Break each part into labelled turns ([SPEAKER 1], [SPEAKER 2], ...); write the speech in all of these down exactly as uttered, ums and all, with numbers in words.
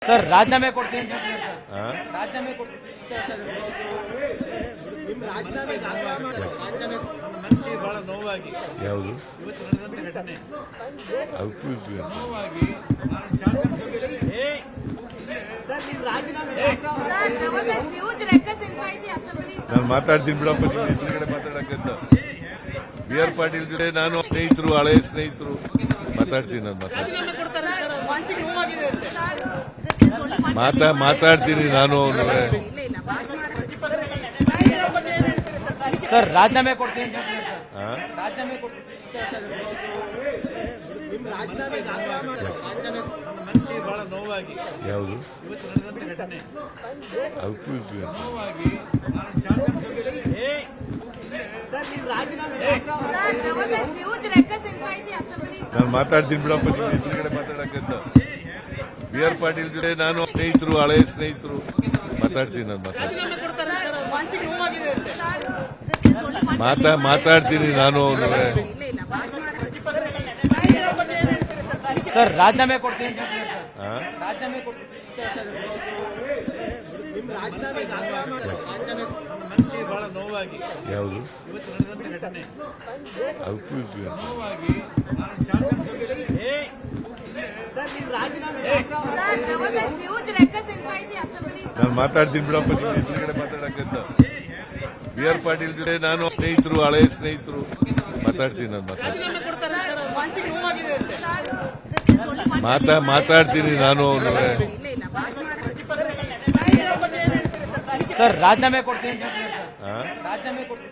[SPEAKER 1] Sir ರಾಜೀನಾಮೆ ಕೊಡ್ತೀನಿ ಅಂತ ಹೇಳ್ತಾರೆ ಸರ್. ರಾಜೀನಾಮೆ ಕೊಡ್ತೀನಿ
[SPEAKER 2] ನಿಮ್ಮ ರಾಜೀನಾಮೆ ರಾಜೀನಾಮೆ
[SPEAKER 3] ಮನಸ್ಸಿಗೆ ಬಹಳ ನೋವಾಗಿ
[SPEAKER 4] ಯಾವುದು
[SPEAKER 3] ಇವತ್ತು ನಡೆದಂತ ಘಟನೆ
[SPEAKER 4] ಅದಕ್ಕೂ ಇದು
[SPEAKER 3] ನೋವಾಗಿ ನಾನು ಶಾಸಕರಿಗೆ ಏ
[SPEAKER 2] ಸರ್ ನಿಮ್ಮ ರಾಜೀನಾಮೆ
[SPEAKER 5] Sir, there was a huge ruckus inside the assembly.
[SPEAKER 4] ನಾನು ಮಾತಾಡ್ತೀನಿ ಬಿಡಪ್ಪ, ನೀವು ಎದುರುಗಡೆ ಮಾತಾಡಕ್ಕಂತ. ಬಿ ಆರ್ ಪಾಟೀಲ್ ಜೊತೆ ನಾನು ಸ್ನೇಹಿತರು, ಹಳೆಯ ಸ್ನೇಹಿತರು ಮಾತಾಡ್ತೀನಿ. ನಾನು ಮಾತಾಡ್ತೀನಿ
[SPEAKER 2] ರಾಜೀನಾಮೆ ಕೊಡ್ತಾರೆ ಸರ್ ಮನಸ್ಸಿಗೆ ನೋವಾಗಿದೆ ಅಂತ
[SPEAKER 5] Sir, this is only one.
[SPEAKER 4] ಮಾತಾ ಮಾತಾಡ್ತೀನಿ ನಾನು
[SPEAKER 5] ಇಲ್ಲ ಇಲ್ಲ ಮಾತು ಮಾಡೋದು.
[SPEAKER 1] ಸರ್ ರಾಜೀನಾಮೆ ಕೊಡ್ತೀನಿ ಅಂತ ಹೇಳ್ತಾರೆ ಸರ್. ರಾಜೀನಾಮೆ ಕೊಡ್ತೀನಿ
[SPEAKER 2] ನಿಮ್ಮ ರಾಜೀನಾಮೆ ರಾಜೀನಾಮೆ
[SPEAKER 3] ಮನಸ್ಸಿಗೆ ಬಹಳ ನೋವಾಗಿ
[SPEAKER 4] ಯಾವುದು
[SPEAKER 3] ಇವತ್ತು ನಡೆದಂತ ಘಟನೆ
[SPEAKER 4] ಅದಕ್ಕೂ ಇದು
[SPEAKER 3] ನೋವಾಗಿ ನಾನು ಶಾಸಕರಿಗೆ ಏ
[SPEAKER 2] ಸರ್ ನಿಮ್ಮ ರಾಜೀನಾಮೆ
[SPEAKER 5] Sir, there was a huge ruckus inside the assembly.
[SPEAKER 4] ನಾನು ಮಾತಾಡ್ತೀನಿ ಬಿಡಪ್ಪ, ನೀವು ಎದುರುಗಡೆ ಮಾತಾಡಕ್ಕಂತ. ಬಿ ಆರ್ ಪಾಟೀಲ್ ಜೊತೆ ನಾನು ಸ್ನೇಹಿತರು, ಹಳೆಯ ಸ್ನೇಹಿತರು ಮಾತಾಡ್ತೀನಿ. ನಾನು ಮಾತಾಡ್ತೀನಿ
[SPEAKER 2] ರಾಜೀನಾಮೆ ಕೊಡ್ತಾರೆ ಸರ್ ಮನಸ್ಸಿಗೆ ನೋವಾಗಿದೆ ಅಂತ
[SPEAKER 5] Sir, this is only one.
[SPEAKER 4] ಮಾತಾ ಮಾತಾಡ್ತೀನಿ ನಾನು.
[SPEAKER 5] ಇಲ್ಲ ಇಲ್ಲ ಮಾತು ಮಾಡೋದು.
[SPEAKER 1] ಸರ್ ರಾಜೀನಾಮೆ ಕೊಡ್ತೀನಿ ಅಂತ ಹೇಳ್ತಾರೆ ಸರ್. ರಾಜೀನಾಮೆ ಕೊಡ್ತೀನಿ
[SPEAKER 2] ನಿಮ್ಮ ರಾಜೀನಾಮೆ ರಾಜೀನಾಮೆ
[SPEAKER 3] ಮನಸ್ಸಿಗೆ ಬಹಳ ನೋವಾಗಿ
[SPEAKER 4] ಯಾವುದು
[SPEAKER 3] ಇವತ್ತು ನಡೆದಂತ ಘಟನೆ
[SPEAKER 4] ಅದಕ್ಕೂ ಇದು
[SPEAKER 3] ನೋವಾಗಿ ನಾನು ಶಾಸಕರಿಗೆ ಏ
[SPEAKER 2] ಸರ್ ನಿಮ್ಮ ರಾಜೀನಾಮೆ
[SPEAKER 5] Sir, there was a huge ruckus inside the assembly.
[SPEAKER 4] ನಾನು ಮಾತಾಡ್ತೀನಿ ಬಿಡಪ್ಪ, ನೀವು ಎದುರುಗಡೆ ಮಾತಾಡಕ್ಕಂತ. ಬಿ ಆರ್ ಪಾಟೀಲ್ ಜೊತೆ ನಾನು ಸ್ನೇಹಿತರು, ಹಳೆಯ ಸ್ನೇಹಿತರು ಮಾತಾಡ್ತೀನಿ. ನಾನು ಮಾತಾಡ್ತೀನಿ
[SPEAKER 2] ರಾಜೀನಾಮೆ ಕೊಡ್ತಾರೆ ಸರ್ ಮನಸ್ಸಿಗೆ ನೋವಾಗಿದೆ ಅಂತ
[SPEAKER 5] Sir, this is only one.
[SPEAKER 4] ಮಾತಾ ಮಾತಾಡ್ತೀನಿ ನಾನು.
[SPEAKER 5] ಇಲ್ಲ ಇಲ್ಲ ಮಾತು ಮಾಡೋದು.
[SPEAKER 1] ಸರ್ ರಾಜೀನಾಮೆ ಕೊಡ್ತೀನಿ ಅಂತ ಹೇಳ್ತಾರೆ ಸರ್. ರಾಜೀನಾಮೆ ಕೊಡ್ತೀನಿ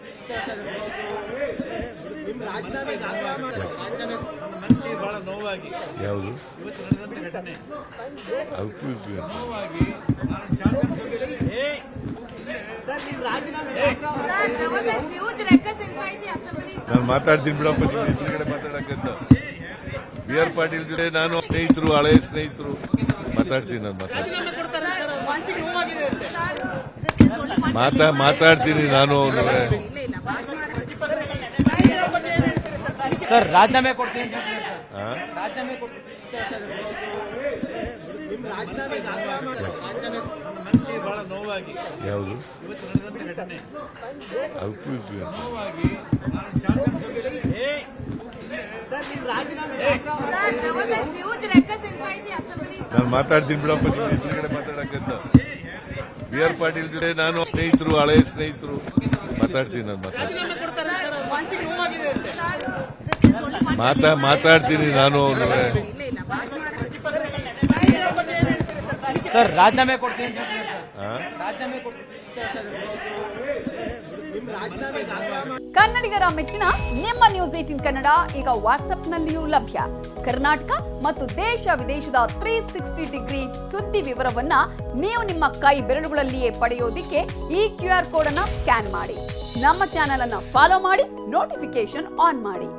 [SPEAKER 2] ನಿಮ್ಮ ರಾಜೀನಾಮೆ ರಾಜೀನಾಮೆ
[SPEAKER 3] ಮನಸ್ಸಿಗೆ ಬಹಳ ನೋವಾಗಿ
[SPEAKER 4] ಯಾವುದು
[SPEAKER 3] ಇವತ್ತು ನಡೆದಂತ ಘಟನೆ
[SPEAKER 4] ಅದಕ್ಕೂ ಇದು
[SPEAKER 3] ನೋವಾಗಿ ನಾನು ಶಾಸಕರಿಗೆ ಏ
[SPEAKER 2] ಸರ್ ನಿಮ್ಮ ರಾಜೀನಾಮೆ
[SPEAKER 5] Sir, there was a huge ruckus inside the assembly.
[SPEAKER 4] ನಾನು ಮಾತಾಡ್ತೀನಿ ಬಿಡಪ್ಪ, ನೀವು ಎದುರುಗಡೆ ಮಾತಾಡಕ್ಕಂತ. ಬಿ ಆರ್ ಪಾಟೀಲ್ ಜೊತೆ ನಾನು ಸ್ನೇಹಿತರು, ಹಳೆಯ ಸ್ನೇಹಿತರು ಮಾತಾಡ್ತೀನಿ. ನಾನು ಮಾತಾಡ್ತೀನಿ
[SPEAKER 2] ರಾಜೀನಾಮೆ ಕೊಡ್ತಾರೆ ಸರ್ ಮನಸ್ಸಿಗೆ ನೋವಾಗಿದೆ ಅಂತ
[SPEAKER 5] Sir, this is only one.
[SPEAKER 4] ಮಾತಾ ಮಾತಾಡ್ತೀನಿ ನಾನು.
[SPEAKER 5] ಇಲ್ಲ ಇಲ್ಲ ಮಾತು ಮಾಡೋದು.
[SPEAKER 1] ಸರ್ ರಾಜೀನಾಮೆ ಕೊಡ್ತೀನಿ ಅಂತ ಹೇಳ್ತಾರೆ ಸರ್. ರಾಜೀನಾಮೆ ಕೊಡ್ತೀನಿ
[SPEAKER 2] ನಿಮ್ಮ ರಾಜೀನಾಮೆ ರಾಜೀನಾಮೆ
[SPEAKER 3] ಮನಸ್ಸಿಗೆ ಬಹಳ ನೋವಾಗಿ
[SPEAKER 4] ಯಾವುದು
[SPEAKER 3] ಇವತ್ತು ನಡೆದಂತ ಘಟನೆ
[SPEAKER 4] ಅದಕ್ಕೂ ಇದು
[SPEAKER 3] ನೋವಾಗಿ ನಾನು ಶಾಸಕರಿಗೆ ಏ
[SPEAKER 2] ಸರ್ ನಿಮ್ಮ ರಾಜೀನಾಮೆ
[SPEAKER 5] Sir, there was a huge ruckus inside the assembly.
[SPEAKER 4] ನಾನು ಮಾತಾಡ್ತೀನಿ ಬಿಡಪ್ಪ, ನೀವು ಎದುರುಗಡೆ ಮಾತಾಡಕ್ಕಂತ. ಬಿ ಆರ್ ಪಾಟೀಲ್ ಜೊತೆ ನಾನು ಸ್ನೇಹಿತರು, ಹಳೆಯ ಸ್ನೇಹಿತರು ಮಾತಾಡ್ತೀನಿ. ನಾನು ಮಾತಾಡ್ತೀನಿ
[SPEAKER 2] ರಾಜೀನಾಮೆ ಕೊಡ್ತಾರೆ ಸರ್ ಮನಸ್ಸಿಗೆ ನೋವಾಗಿದೆ ಅಂತ
[SPEAKER 5] Sir, this is only one.
[SPEAKER 4] ಮಾತಾ ಮಾತಾಡ್ತೀನಿ ನಾನು.
[SPEAKER 5] ಇಲ್ಲ ಇಲ್ಲ ಮಾತು ಮಾಡೋದು.
[SPEAKER 1] ಸರ್ ರಾಜೀನಾಮೆ ಕೊಡ್ತೀನಿ ಅಂತ ಹೇಳ್ತಾರೆ ಸರ್. ರಾಜೀನಾಮೆ ಕೊಡ್ತೀನಿ
[SPEAKER 2] ನಿಮ್ಮ ರಾಜೀನಾಮೆ ರಾಜೀನಾಮೆ
[SPEAKER 6] ಕನ್ನಡಿಗರ ಮೆಚ್ಚಿನ ನಿಮ್ಮ ನ್ಯೂಸ್ ಏಟೀನ್ ಕನ್ನಡ ಈಗ ವಾಟ್ಸ್ಆಪ್ನಲ್ಲಿಯೂ ಲಭ್ಯ. ಕರ್ನಾಟಕ ಮತ್ತು ದೇಶ ವಿದೇಶದ ತ್ರೀ ಸಿಕ್ಸ್ಟಿ ಡಿಗ್ರಿ ಸುದ್ದಿ ವಿವರವನ್ನ ನೀವು ನಿಮ್ಮ ಕೈ ಬೆರಳುಗಳಲ್ಲಿಯೇ ಪಡೆಯೋದಿಕ್ಕೆ ಈ ಕ್ಯೂ ಆರ್ ಕೋಡ್ ಅನ್ನ ಸ್ಕ್ಯಾನ್ ಮಾಡಿ. ನಮ್ಮ ಚಾನೆಲ್ ಅನ್ನ ಫಾಲೋ ಮಾಡಿ, ನೋಟಿಫಿಕೇಶನ್ ಆನ್ ಮಾಡಿ.